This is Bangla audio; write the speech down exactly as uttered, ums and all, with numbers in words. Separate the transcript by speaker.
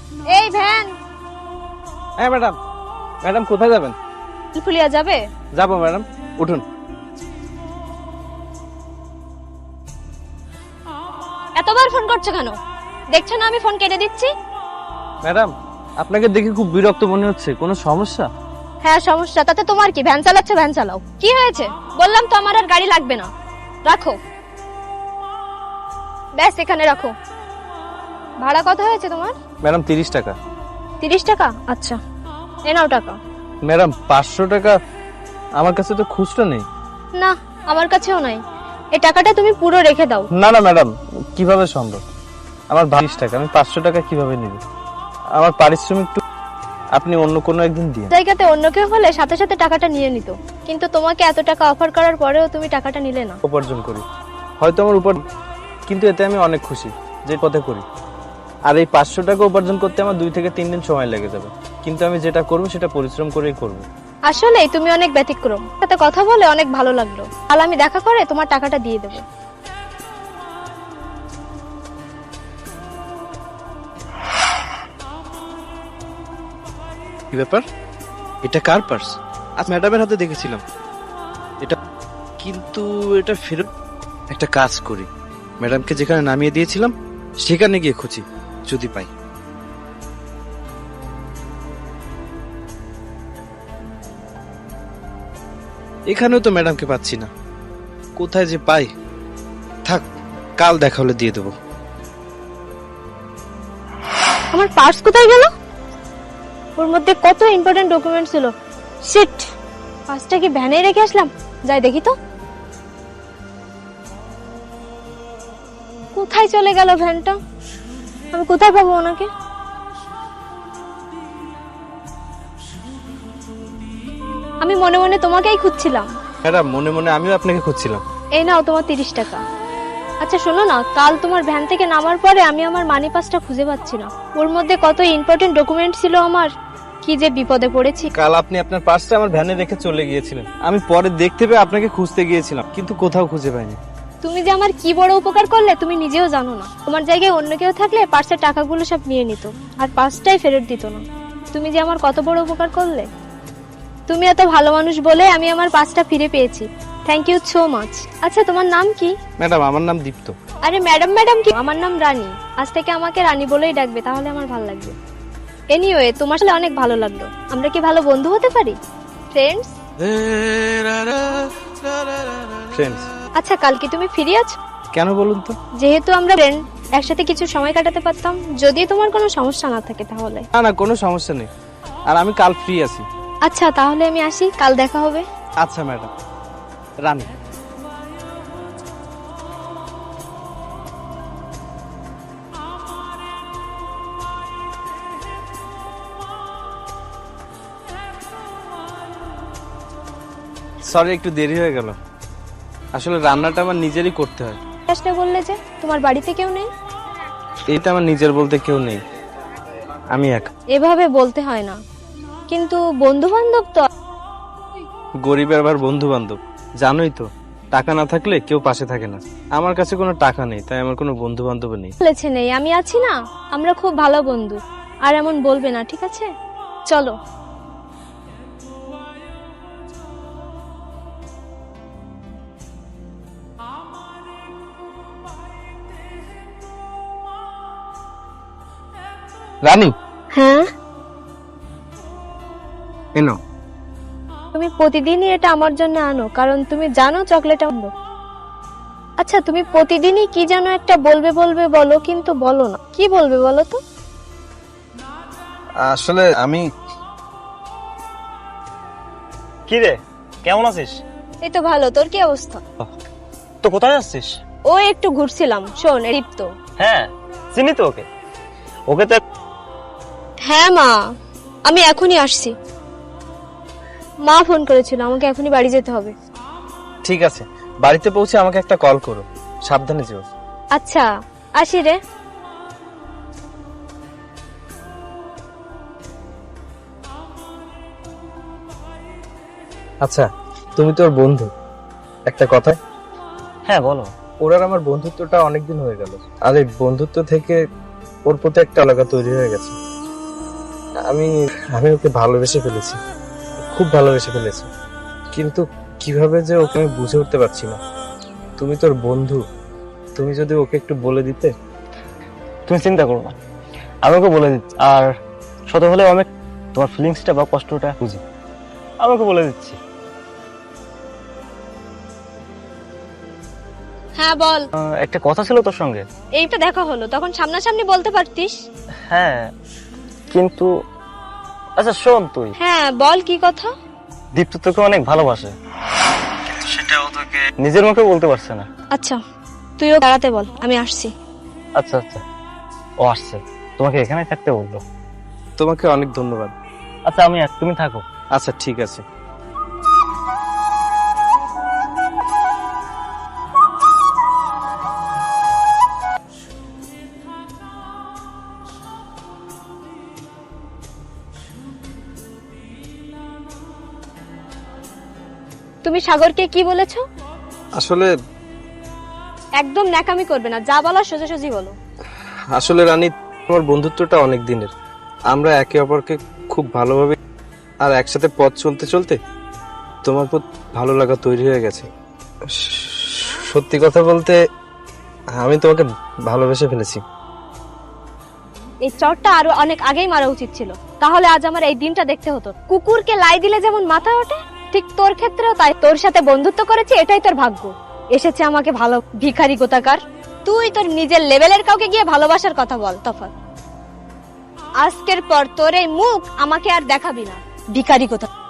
Speaker 1: এই ভ্যান।
Speaker 2: হ্যাঁ ম্যাডাম। ম্যাডাম কোথায় যাবেন?
Speaker 1: ফুলিয়া যাবে?
Speaker 2: যাবো ম্যাডাম, উঠুন।
Speaker 1: এতবার ফোন করছো কেন? দেখছো না আমি ফোন কেটে দিচ্ছি।
Speaker 2: ম্যাডাম আপনাকে দেখে খুব বিরক্ত মনে হচ্ছে, কোনো সমস্যা?
Speaker 1: হ্যাঁ সমস্যা, তাতে তোমার কি? ভ্যান চালাচ্ছ, ভ্যান চালাও। কি হয়েছে? বললাম তো আমার আর গাড়ি লাগবে না, রাখো। ব্যাস এখানে রাখো। ভাড়া কত হয়েছে তোমার?
Speaker 2: ম্যাডাম তিরিশ টাকা।
Speaker 1: তিরিশ টাকা? আচ্ছা এ নাও টাকা।
Speaker 2: ম্যাডাম পাঁচশো টাকা আমার কাছে তো খুচরো নেই।
Speaker 1: না আমার কাছেও নাই, এই টাকাটা তুমি পুরো রেখে দাও।
Speaker 2: না না ম্যাডাম, কিভাবে সম্ভব? আমার বাইশ টাকা, আমি পাঁচশো টাকা কিভাবে নিব? আমার পারিশ্রমিক আপনি অন্য কোনো একদিন দিন।
Speaker 1: জায়গাতে অন্য কেউ হলে সাথে সাথে টাকাটা নিয়ে নিত, কিন্তু তোমাকে এত টাকা অফার করার পরেও তুমি টাকাটা নিলে না।
Speaker 2: উপার্জন করি হয়তো আমার উপর, কিন্তু এতে আমি অনেক খুশি যে পথে করি। আর এই পাঁচশো টাকা উপার্জন করতে আমার দুই থেকে তিন দিন সময় লেগে যাবে, কিন্তু আমি যেটা করবো সেটা পরিশ্রম করেই করবো।
Speaker 1: আসলে তুমি অনেক ব্যতিক্রম, সাথে কথা বলে অনেক ভালো লাগলো। কাল আমি দেখা করে তোমার টাকাটা দিয়ে দেবো।
Speaker 3: কি ব্যাপার? এটা কার পার্স? আজ ম্যাডামের হাতে দেখেছিলাম এটা, কিন্তু এটা ফেরত। একটা কাজ করি, ম্যাডামকে যেখানে নামিয়ে দিয়েছিলাম সেখানে গিয়ে খুঁজি, যদি পাই। এখানেও তো ম্যাডামকে পাচ্ছি না, কোথায় যে পাই। থাক, কাল দেখা হলে দিয়ে দেবো।
Speaker 1: আমার পার্স কোথায় গেল? ওর মধ্যে কত ইম্পর্টেন্ট ডকুমেন্ট ছিল। শিট, পার্সটা কি ভ্যানে রেখে আসলাম? যাই দেখি তো কোথায় চলে গেল ভ্যানটা। আমি কোথায় পাবো ওনাকে? আমি মনে মনে তোমাকেই খুঁজছিলাম।
Speaker 2: ম্যাডাম মনে মনে আমিও আপনাকে খুঁজছিলাম।
Speaker 1: এই নাও তোমার তিরিশ টাকা। আচ্ছা শোনো না, কাল তোমার ভ্যান থেকে নামার পরে আমি আমার মানি পাসটা খুঁজে পাচ্ছি না। ওর মধ্যে কত ইম্পর্টেন্ট ডকুমেন্ট ছিল আমার, কি যে বিপদে পড়েছি।
Speaker 2: কাল আপনি আপনার পার্সটা আমার ভ্যানে রেখে চলে গিয়েছিলেন, আমি পরে দেখতে পেয়ে আপনাকে খুঁজতে গিয়েছিলাম, কিন্তু কোথাও খুঁজে পাইনি।
Speaker 1: তুমি যে আমার কি বড় উপকার করলে তুমি নিজেও জানো না। তোমার জায়গায় অন্য কেউ থাকলে পার্সের টাকাগুলো সব নিয়ে নিত, আর পার্সটাই ফেরত দিত না। তুমি যে আমার কত বড় উপকার করলে। তুমি এত ভালো মানুষ বলে আমি আমার পার্সটা ফিরে পেয়েছি। Thank you so much. আচ্ছা তোমার নাম কি?
Speaker 2: ম্যাডাম আমার নাম দীপ্ত।
Speaker 1: আরে ম্যাডাম ম্যাডাম কি, আমার নাম রানী। আজ থেকে আমাকে রানী বলেই ডাকবে, তাহলে আমার ভালো লাগবে। এনিওয়ে তোমার সাথে অনেক ভালো লাগলো। আমরা কি ভালো বন্ধু হতে পারি? ফ্রেন্ডস?
Speaker 2: ফ্রেন্ডস।
Speaker 1: আচ্ছা কাল কি তুমি ফ্রি আছো?
Speaker 2: কেন বলুন তো?
Speaker 1: যেহেতু আমরা ফ্রেন্ড, একসাথে কিছু সময় কাটাতে পারতাম, যদি তোমার কোনো সমস্যা না থাকে তাহলে।
Speaker 2: না না, কোনো সমস্যা নেই, আর আমি কাল ফ্রি আছি।
Speaker 1: আচ্ছা তাহলে আমি আসি, কাল দেখা হবে।
Speaker 2: আচ্ছা ম্যাডাম। রানী। সরি একটু দেরি হয়ে গেল, আসলে রান্নাটা আমার নিজেরই করতে হয়।
Speaker 1: আসলে বললে যে তোমার বাড়িতে কেউ নেই।
Speaker 2: এইটা আমার নিজের বলতে কেউ নেই, আমি একা।
Speaker 1: এভাবে বলতে হয় না, কিন্তু বন্ধু বান্ধব তো।
Speaker 2: গরিবের আবার বন্ধু বান্ধব, জানোই তো, টাকা না থাকলে কেউ পাশে থাকে না। আমার কাছে কোনো টাকা নেই, তাই আমার কোনো বন্ধু বান্ধব নেই।
Speaker 1: বলেছে নেই, আমি আছি না। আমরা খুব ভালো বন্ধু, আর এমন বলবে না, ঠিক আছে? চলো।
Speaker 2: রানী।
Speaker 1: হ্যাঁ
Speaker 2: এনো।
Speaker 1: তুমি প্রতিদিনই এটা আমার জন্য আনো, কারণ তুমি জানো চকলেট আনবো। আচ্ছা তুমি প্রতিদিনই কি জানো একটা বলবে বলবে বলো, কিন্তু বলো না। কি বলবে বলো তো?
Speaker 2: আসলে আমি।
Speaker 4: কি রে, কেমন আছিস?
Speaker 1: এই তো ভালো, তোর কি অবস্থা?
Speaker 4: তো কোথায় যাচ্ছিস?
Speaker 1: ও একটু ঘুরছিলাম। শোন দীপ্ত।
Speaker 4: হ্যাঁ চিনি তো ওকে। ওকে তো।
Speaker 1: হ্যাঁ মা, আমি এখনই আসছি। মা ফোন করেছিল, আমাকে এখনই বাড়ি যেতে হবে।
Speaker 2: ঠিক আছে, বাড়িতে পৌঁছে আমাকে একটা কল করো, সাবধানে যেও।
Speaker 1: আচ্ছা আসি রে।
Speaker 2: আচ্ছা তুমি তোর বন্ধু, একটা কথা।
Speaker 4: হ্যাঁ বলো।
Speaker 2: ওর আর আমার বন্ধুত্বটা অনেকদিন হয়ে গেল, আর এই বন্ধুত্ব থেকে ওর প্রতি একটা আলাদা তৈরি হয়ে গেছে। আমি আমি ওকে ভালোবেসে ফেলেছি, খুব ভালোবেসে ফেলেছি, কিন্তু কিভাবে যে ওকে আমি বুঝে উঠতে পারছি না। তুমি তোর বন্ধু, তুমি যদি ওকে একটু বলে দিতে।
Speaker 4: তুমি চিন্তা করো না, আমি ওকে বলে দিচ্ছি। আর শত হলেও আমি তোমার ফিলিংসটা বা কষ্টটা বুঝি, আমি ওকে বলে দিচ্ছি।
Speaker 1: হ্যাঁ বল।
Speaker 4: আহ, একটা কথা ছিল তোর সঙ্গে।
Speaker 1: এইটা দেখা হলো, তখন সামনাসামনি বলতে পারতিস।
Speaker 4: হ্যাঁ, কিন্তু আচ্ছা শোন, তুই
Speaker 1: হ্যাঁ বল, কি কথা?
Speaker 4: দীপ্ত তোকে অনেক ভালোবাসে, কিন্তু সেটা ও তোকে নিজের মুখে বলতে পারছে না।
Speaker 1: আচ্ছা, তুইও দাঁড়াতে বল, আমি আসছি।
Speaker 4: আচ্ছা আচ্ছা, ও আসছে, তোমাকে এখানে থাকতে বললো।
Speaker 2: তোমাকে অনেক ধন্যবাদ।
Speaker 4: আচ্ছা আমি তুমি থাকো।
Speaker 2: আচ্ছা ঠিক আছে।
Speaker 1: তুমি সাগরকে কি বলেছো?
Speaker 2: আসলে
Speaker 1: একদম ন্যাকামি করবে না, যা বলার সোজাসুজি বলো।
Speaker 2: আসলে রানী, তোমার বন্ধুত্বটা অনেক দিনের। আমরা একে অপরকে খুব ভালোভাবে আর একসাথে পথ চলতে চলতে তোমার প্রতি ভালো লাগা তৈরি হয়ে গেছে। সত্যি কথা বলতে আমি তোমাকে ভালোবেসে ফেলেছি।
Speaker 1: এই চটটা আরো অনেক আগেই মারা উচিত ছিল, তাহলে আজ আমার এই দিনটা দেখতে হতো। কুকুরকে লাই দিলে যেমন মাথা ওঠে, ঠিক তোর ক্ষেত্রেও তাই। তোর সাথে বন্ধুত্ব করেছি, এটাই তোর ভাগ্য। এসেছে আমাকে ভালো ভিখারি গোতাকার। তুই তোর নিজের লেভেলের কাউকে গিয়ে ভালোবাসার কথা বল। তফাৎ, আজকের পর তোর এই মুখ আমাকে আর দেখাবি না, ভিখারি গোতাকার।